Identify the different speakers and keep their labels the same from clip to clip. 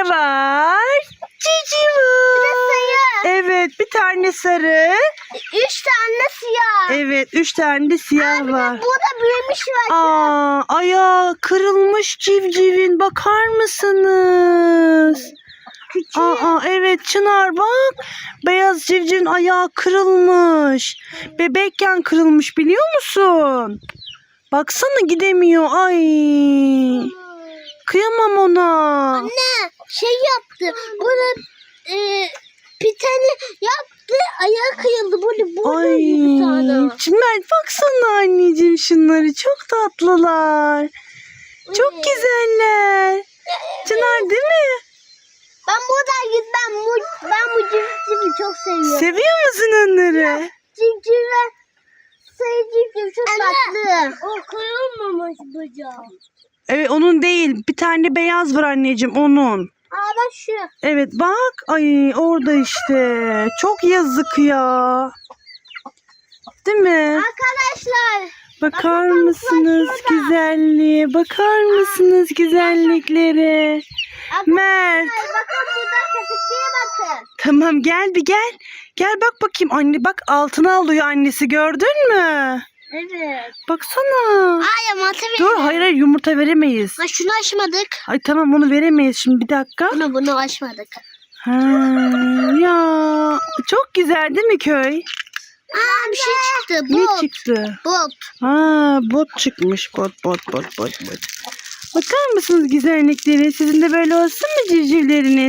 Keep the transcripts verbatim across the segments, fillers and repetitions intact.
Speaker 1: ne var? Civciv var. Evet, bir tane sarı.
Speaker 2: Üç tane siyah.
Speaker 1: Evet, üç tane de siyah
Speaker 2: Abi
Speaker 1: var.
Speaker 2: burada büyümüş var.
Speaker 1: Aa, ayağı kırılmış civcivin. Bakar mısınız?
Speaker 2: Küçük.
Speaker 1: Aa, evet Çınar bak. Beyaz civcivin ayağı kırılmış. Bebekken kırılmış biliyor musun? Baksana gidemiyor. Ay. Kıyamam ona.
Speaker 2: Anne şey yaptı. Bunu e, piteni yaptı. Ayağı kıyıldı. Böyle burada
Speaker 1: Ay.
Speaker 2: bir tane.
Speaker 1: Çınar baksana anneciğim şunları. Çok tatlılar. Çok
Speaker 2: Evet.
Speaker 1: güzeller. Çınar değil mi?
Speaker 2: Ben buradan gitmem. Bu- Ben bu civcivi çok seviyorum.
Speaker 1: Seviyor musun onları?
Speaker 2: Civcive sayı civciv çok tatlı. O kıyılmamış bacağı.
Speaker 1: Evet onun değil. Bir tane beyaz var anneciğim onun.
Speaker 2: Aa bak şu.
Speaker 1: Evet bak. Ay orada işte. Çok yazık ya. Değil mi?
Speaker 2: Arkadaşlar.
Speaker 1: Bakar
Speaker 2: bakın,
Speaker 1: mısınız
Speaker 2: bak şurada.
Speaker 1: güzelliğe? Bakar mısınız güzelliklere? Mert.
Speaker 2: Arkadaşlar bakın burada köpekliğe bakın.
Speaker 1: Tamam gel bir gel. Gel bak bakayım anne bak altına alıyor annesi gördün mü?
Speaker 2: Evet.
Speaker 1: Baksana.
Speaker 2: Ay yumurta verin.
Speaker 1: Dur hayır hayır yumurta veremeyiz.
Speaker 2: Ha şunu açmadık.
Speaker 1: Ay tamam onu veremeyiz şimdi bir dakika.
Speaker 2: Bunu bunu açmadık.
Speaker 1: Ha, ya çok güzel değil mi köy?
Speaker 2: Aa bir şey çıktı.
Speaker 1: Ne
Speaker 2: Bot.
Speaker 1: çıktı?
Speaker 2: Bot.
Speaker 1: Ha bot çıkmış bot bot bot bot bot. Bakar mısınız güzellikleri? Sizin de böyle olsun mu civcivleriniz?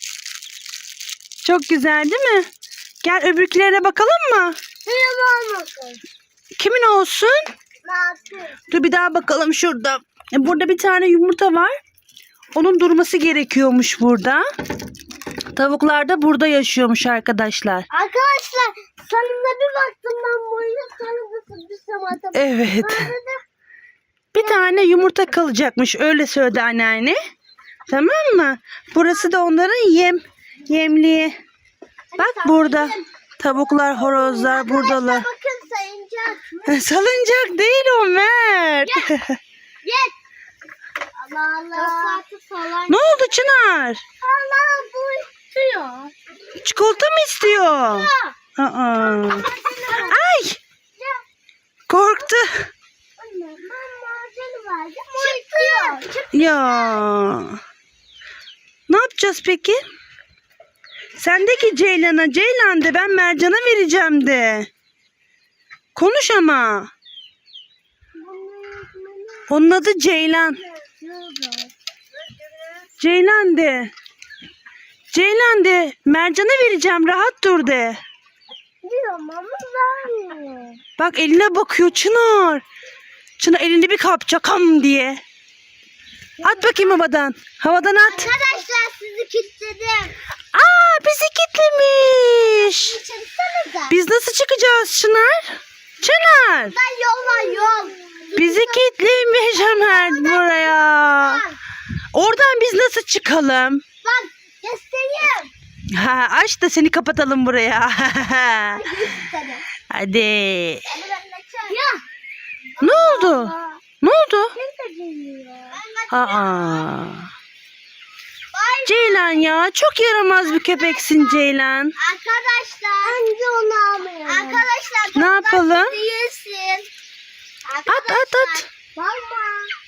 Speaker 1: Çok güzel değil mi? Gel öbürkülerine bakalım mı?
Speaker 2: Hemen bakın.
Speaker 1: Kimin olsun?
Speaker 2: Nasıl?
Speaker 1: Dur bir daha bakalım şurada. E, Burada bir tane yumurta var. Onun durması gerekiyormuş burada. Tavuklar da burada yaşıyormuş arkadaşlar.
Speaker 2: Arkadaşlar sonunda bir baktım ben boyuna sonunda bir samata.
Speaker 1: Evet. Bir tane yumurta kalacakmış. Öyle söyledi anneanne. Tamam mı? Burası da onların yem. Yemliği. Bak burada. Tavuklar, horozlar buradalar.
Speaker 2: Bakın sayıncak.
Speaker 1: Salıncak değil o Mert.
Speaker 2: Gel. Allah Allah. Falan.
Speaker 1: Ne oldu Çınar?
Speaker 2: Allah bu istiyor.
Speaker 1: Çikolata mı istiyor? Aa. Ay! Korktu.
Speaker 2: Çıktı.
Speaker 1: Ya. Ne yapacağız peki? Sendeki Ceylan'a, Ceylan de ben Mercan'a vereceğim de. Konuş ama. Onun adı Ceylan. Ceylan de. Ceylan de. Mercan'a vereceğim. Rahat dur de.
Speaker 2: Diyorum ama vermiyor.
Speaker 1: Bak eline bakıyor Çınar. Çınar elini bir kapacak ham diye. At bakayım havadan. Havadan at.
Speaker 2: Arkadaşlar sizi kilitledim.
Speaker 1: Aa bizi kilitlemiş.
Speaker 2: Çıksanıza.
Speaker 1: Biz nasıl çıkacağız Çınar? Çınar.
Speaker 2: Ben yol var yol.
Speaker 1: Bizi kilitlemiş Ömer buraya. Oradan biz nasıl çıkalım?
Speaker 2: Bak göstereyim.
Speaker 1: Ha, aç da seni kapatalım buraya.
Speaker 2: Göstereyim.
Speaker 1: Hadi.
Speaker 2: Ya.
Speaker 1: Ne oldu? Ne oldu?
Speaker 2: Kim de geliyor?
Speaker 1: Aa. Ceylan ya çok yaramaz bir köpeksin Ceylan.
Speaker 2: Arkadaşlar. Önce onu almayalım. Arkadaşlar.
Speaker 1: Ne yapalım?
Speaker 2: Değilsin.
Speaker 1: At at at.
Speaker 2: Mama.